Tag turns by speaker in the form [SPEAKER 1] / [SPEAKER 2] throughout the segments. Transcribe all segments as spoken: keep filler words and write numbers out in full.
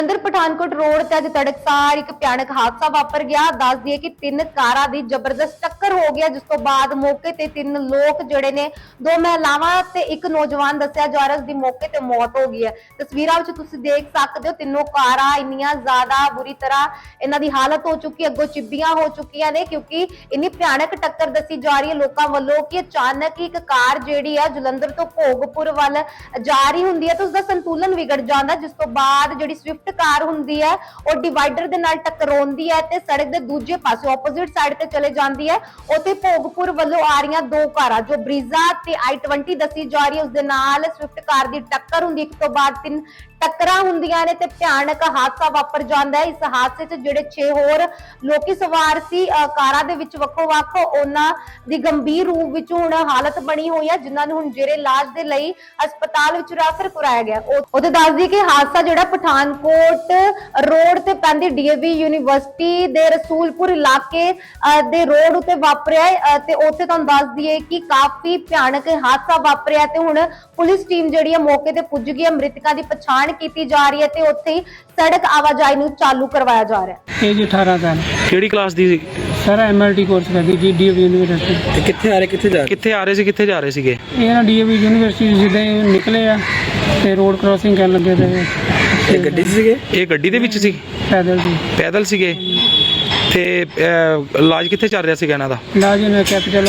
[SPEAKER 1] अंदर पठानकोट रोड ते अज तड़कसार एक भयानक हादसा वापर गया। दस दिए कि तीन कारां दी जबरदस्त टक्कर हो गया, जिस तो बाद मौके ते तीन लोग जड़े ने दो महिलावां ते एक नौजवान दस्सिया जा रहा, उसदी मौके ते मौत हो गई है। तस्वीरां विच तुसीं देख सकदे हो तीनों कारां इन्नियां ज्यादा बुरी तरह इन्हां दी हालत हो चुकी है, अगों चिब्बियां हो चुकियां ने, क्योंकि इन्नी भयानक टक्कर दसी जा रही है लोकां वल्लों कि अचानक ही एक कार जिहड़ी है जलंधर तो भोगपुर वल जा रही हुंदी है ते उसदा संतुलन विगड़ जांदा, जिस तो बाद जिहड़ी स्विफ्ट कार हुंदी है और डिवाइडर दे नाल टकराउंदी है ते सड़क दे दूजे पासे ऑपोजिट साइड ते चले जांदी है। उत्थे भोगपुर वल्लों आ रही दो कारां जो ब्रीजा ते आई ट्वेंटी दसी जा रही है, उसदे नाल स्विफ्ट कार दी टक्कर हुंदी, एक तो बाद तीन टक्करां हुंदियां ने ते भयानक हादसा वापर जांदा है। इस हादसे च जिहड़े छे होर लोकी सवार सी कारां दे विच वक्खो वक्ख उन्हां दी गंभीर रूप विच हुण हालत बनी होई है, जिन्हां नूं हुण जेरे इलाज दे लई अस्पताल विच रैफर कराया गया। ओते दस दी कि हादसा जिहड़ा पठानकोट रोड ते पैंदी डीएवी यूनिवर्सिटी दे रसूलपुर इलाके दे रोड उत्ते वापरिया है ते उत्थे तुहानूं दस दईए कि काफी भयानक हादसा वापरिया ते हुण पुलिस टीम जिहड़ी है मौके ते पुज गई है। मृतकां दी पछाण की जा रही है ते उत्थे ही सड़क आवाजाही नूं चालू करवाया जा रहा है।
[SPEAKER 2] एज अठारह साल
[SPEAKER 3] ਕਿਹੜੀ ਕਲਾਸ ਦੀ ਸੀ?
[SPEAKER 2] सर एमएलटी कोर्स करदी जी डीएवी यूनिवर्सिटी।
[SPEAKER 4] ਤੇ ਕਿੱਥੇ ਆ ਰਹੇ ਕਿੱਥੇ ਜਾ
[SPEAKER 3] ਕਿੱਥੇ ਆ ਰਹੇ ਸੀ ਕਿੱਥੇ ਜਾ ਰਹੇ ਸੀਗੇ?
[SPEAKER 2] ਇਹ ਨਾ ਡੀਏਵੀ ਯੂਨੀਵਰਸਿਟੀ ਜਿੱਦਾਂ ਹੀ ਨਿਕਲੇ ਆ ਤੇ ਰੋਡ ਕ੍ਰਾਸਿੰਗ ਕਰਨ ਲੱਗੇ ਤੇ
[SPEAKER 4] ਇਹ ਗੱਡੀ 'ਚ ਸੀਗੇ?
[SPEAKER 3] ਇਹ ਗੱਡੀ ਦੇ ਵਿੱਚ ਸੀ?
[SPEAKER 2] ਪੈਦਲ ਦੀ
[SPEAKER 3] ਪੈਦਲ ਸੀਗੇ ਤੇ ਅਹ, ਇਲਾਜ ਕਿੱਥੇ ਚੱਲ ਰਿਹਾ ਸੀਗਾ ਇਹਨਾਂ ਦਾ?
[SPEAKER 2] ਇਲਾਜ ਨੇ ਕੈਪੀਟਲ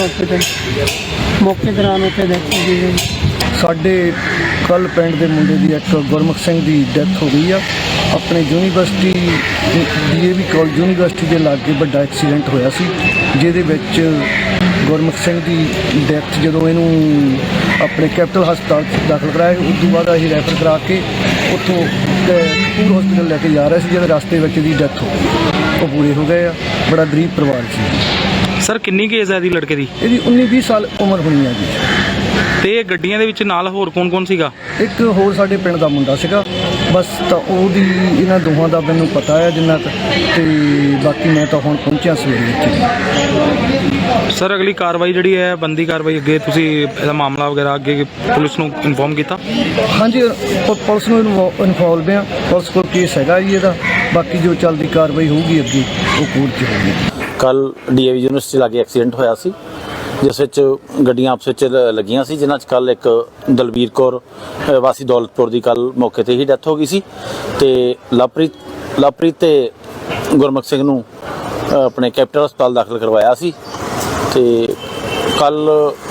[SPEAKER 2] ਹਸਪੀਟਲ ਮੌਕੇ ਦੌਰਾਨ ਉੱਥੇ ਦੇਖੀ ਗਈ।
[SPEAKER 5] ਸਾਡੇ ਕੱਲ ਪਿੰਡ ਦੇ ਮੁੰਡੇ ਦੀ ਇੱਕ ਗੁਰਮੁਖ ਸਿੰਘ ਦੀ ਡੈਥ ਹੋ ਗਈ ਆ। ਆਪਣੇ ਯੂਨੀਵਰਸਿਟੀ ਡੀਏਵੀ ਕਾਲਜ ਯੂਨੀਵਰਸਿਟੀ ਦੇ ਲਾਗੇ ਵੱਡਾ ਐਕਸੀਡੈਂਟ ਹੋਇਆ ਸੀ, ਜਿਹਦੇ ਵਿੱਚ ਗੁਰਮੁਖ ਸਿੰਘ ਦੀ ਡੈਥ ਜਦੋਂ ਇਹਨੂੰ ਆਪਣੇ ਕੈਪੀਟਲ ਹਸਪਤਾਲ 'ਚ ਦਾਖਲ ਕਰਾਇਆ, ਉਸ ਤੋਂ ਬਾਅਦ ਅਸੀਂ ਰੈਫਰ ਕਰਾ ਕੇ ਉੱਥੋਂ ਕਪੂਰ ਹਸਪੀਟਲ ਲੈ ਕੇ ਜਾ ਰਹੇ ਸੀ, ਜਦੋਂ ਰਸਤੇ ਵਿੱਚ ਦੀ ਡੈਥ ਹੋ ਗਈ। ਉਹ ਪੂਰੇ ਹੋ ਗਏ ਆ। ਬੜਾ ਗਰੀਬ ਪਰਿਵਾਰ ਸੀ।
[SPEAKER 3] ਸਰ ਕਿੰਨੀ ਕੁ ਏਜ ਹੈ ਇਹਦੀ ਲੜਕੇ ਦੀ?
[SPEAKER 5] ਇਹਦੀ ਉੱਨੀ ਵੀਹ ਸਾਲ ਉਮਰ ਹੋਣੀ ਆ ਜੀ।
[SPEAKER 3] ਤੇ ਇਹ ਗੱਡੀਆਂ ਦੇ ਵਿੱਚ ਨਾਲ ਹੋਰ ਕੌਣ ਕੌਣ ਸੀਗਾ?
[SPEAKER 5] ਇੱਕ ਹੋਰ ਸਾਡੇ ਪਿੰਡ ਦਾ ਮੁੰਡਾ ਸੀਗਾ, ਬਸ ਤਾਂ ਉਹਦੀ ਇਹਨਾਂ ਦੋਹਾਂ ਦਾ ਮੈਨੂੰ ਪਤਾ ਹੈ ਜਿੰਨਾ ਕੁ, ਤੇ ਬਾਕੀ ਮੈਂ ਤਾਂ ਹੁਣ ਪਹੁੰਚਿਆ ਸਵੇਰੇ ਇੱਥੇ।
[SPEAKER 3] ਸਰ ਅਗਲੀ ਕਾਰਵਾਈ ਜਿਹੜੀ ਹੈ ਬੰਦੀ ਕਾਰਵਾਈ ਅੱਗੇ ਤੁਸੀਂ ਇਹਦਾ ਮਾਮਲਾ ਵਗੈਰਾ ਅੱਗੇ ਪੁਲਿਸ ਨੂੰ ਇਨਫੋਰਮ ਕੀਤਾ?
[SPEAKER 5] ਹਾਂਜੀ ਪ- ਪੁਲਿਸ ਨੂੰ ਇਨਫੋਲਵ ਆ, ਪੁਲਿਸ ਕੋਲ ਕੇਸ ਹੈਗਾ ਜੀ ਇਹਦਾ। ਬਾਕੀ ਜੋ ਚੱਲਦੀ ਕਾਰਵਾਈ ਹੋਊਗੀ ਅੱਗੇ ਉਹ ਕੋਰਟ 'ਚ ਹੋਊਗੀ।
[SPEAKER 6] ਕੱਲ ਡੀਏਵੀ ਯੂਨੀਵਰਸਿਟੀ ਲਾਗੇ ਐਕਸੀਡੈਂਟ ਹੋਇਆ ਸੀ, ਜਿਸ ਵਿੱਚ ਗੱਡੀਆਂ ਆਪਸ ਵਿੱਚ ਲੱਗੀਆਂ ਸੀ, ਜਿਨ੍ਹਾਂ 'ਚ ਕੱਲ ਇੱਕ ਦਲਬੀਰ ਕੌਰ ਅ, ਵਾਸੀ ਦੌਲਤਪੁਰ ਦੀ ਕੱਲ ਮੌਕੇ ਤੇ ਹੀ ਡੈਥ ਹੋ ਗਈ ਸੀ ਤੇ ਲਵਪ੍ਰੀਤ ਲਵਪ੍ਰੀਤ ਤੇ ਗੁਰਮੁਖ ਸਿੰਘ ਨੂੰ ਅ, ਆਪਣੇ ਕੈਪੀਟਲ ਹਸਪਤਾਲ ਦਾਖਲ ਕਰਵਾਇਆ ਸੀ ਤੇ ਕੱਲ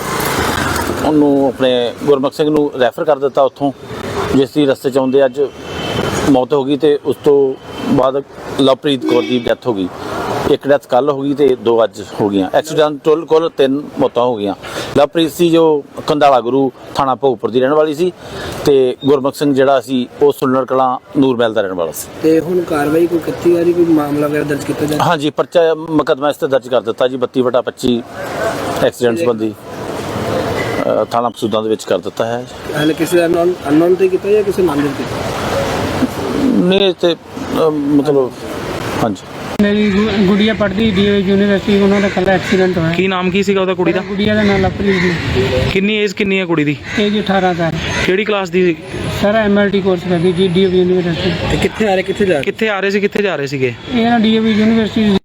[SPEAKER 6] ਉਹਨੂੰ ਆਪਣੇ ਗੁਰਮੁਖ ਸਿੰਘ ਨੂੰ ਰੈਫਰ ਕਰ ਦਿੱਤਾ ਉੱਥੋਂ, ਜਿਸ ਦੀ ਰਸਤੇ 'ਚ ਆਉਂਦੇ ਅੱਜ ਮੌਤ ਹੋ ਗਈ ਤੇ ਉਸ ਤੋਂ ਬਾਅਦ ਲਵਪ੍ਰੀਤ ਕੌਰ ਦੀ ਡੈਥ ਹੋ ਗਈ। ਇੱਕ ਡੈਥ ਕੱਲ ਹੋ ਗਈ ਤੇ ਦੋ ਅੱਜ ਹੋ ਗਈਆਂ। ਐਕਸੀਡੈਂਟ ਟੋਲ ਕੋਲ ਤਿੰਨ ਮੌਤਾਂ ਹੋ ਗਈਆਂ। ਲਵਪ੍ਰੀਤ ਸੀ ਜੋ ਕੰਧਾਲਾ ਗੁਰੂ ਥਾਣਾ ਭੋਗਪੁਰ ਦੀ ਰਹਿਣ ਵਾਲੀ ਸੀ ਤੇ ਗੁਰਮੁਖ ਸਿੰਘ ਜਿਹੜਾ ਸੀ ਉਹ ਸੁਲਨਰ ਕਲਾਂ ਨੂਰਮਹਿਲ ਦਾ ਰਹਿਣ ਵਾਲਾ ਸੀ।
[SPEAKER 4] ਤੇ ਹੁਣ ਕਾਰਵਾਈ ਕੋਈ ਕੀਤੀ ਜਾ ਰਹੀ, ਕੋਈ ਮਾਮਲਾ ਵਗੈਰਾ ਦਰਜ ਕੀਤਾ ਜਾ?
[SPEAKER 6] ਹਾਂਜੀ, ਪਰਚਾ ਮੁਕੱਦਮਾ ਇਸ ਤੇ ਦਰਜ ਕਰ ਦਿੱਤਾ ਜੀ। ਬੱਤੀ ਵਟਾ ਪੱਚੀ ਐਕਸੀਡੈਂਟ ਸੰਬੰਧੀ ਅ, ਥਾਣਾ ਮਸੂਦਾਂ ਦੇ ਵਿੱਚ ਕਰ ਦਿੱਤਾ ਹੈ।
[SPEAKER 4] ਹਾਲੇ ਕਿਸੇ ਦਾ ਅਨਨੋਨ ਅਨਨੋਨ ਤੇ ਕੀਤਾ ਜਾਂ ਕਿਸੇ ਨਾਮਜ਼ਦ ਕੀਤਾ?
[SPEAKER 6] ਨਹੀਂ ਤੇ ਅ, ਮਤਲਬ ਹਾਂਜੀ
[SPEAKER 2] ਮੇਰੀ ਗੁ- ਗੁੜੀਆ ਪੜ੍ਹਦੀ ਡੀਏਵੀ ਯੂਨੀਵਰਸਿਟੀ, ਉਹਨਾਂ ਦਾ ਕੱਲ੍ਹ ਐਕਸੀਡੈਂਟ ਹੋਇਆ।
[SPEAKER 3] ਕੀ ਨਾਮ ਕੀ ਸੀਗਾ ਉਹਦਾ ਕੁੜੀ ਦਾ?
[SPEAKER 2] ਗੁੜੀਆ ਦਾ ਨਾਮ ਲਵਪ੍ਰੀਤ ਸੀ।
[SPEAKER 3] ਕਿੰਨੀ ਏਜ ਕਿੰਨੀ ਹੈ ਕੁੜੀ ਦੀ?
[SPEAKER 2] ਏਜ ਅਠਾਰਹ ਸਾਲ
[SPEAKER 3] ਕਿਹੜੀ ਕਲਾਸ ਦੀ ਸੀ?
[SPEAKER 2] ਸਰ ਐਮਐਲਟੀ ਕੋਰਸ ਕਰਦੀ ਜੀ ਡੀਏਵੀ ਯੂਨੀਵਰਸਿਟੀ।
[SPEAKER 4] ਤੇ ਕਿੱਥੇ ਆ ਰਹੇ ਕਿੱਥੇ ਜਾ ਰਹੇ?
[SPEAKER 3] ਕਿੱਥੇ ਆ ਰਹੇ ਸੀ ਕਿੱਥੇ ਜਾ ਰਹੇ ਸੀਗੇ?
[SPEAKER 2] ਇਹ ਨਾ ਡੀਏਵੀ ਯੂਨੀਵਰਸਿਟੀ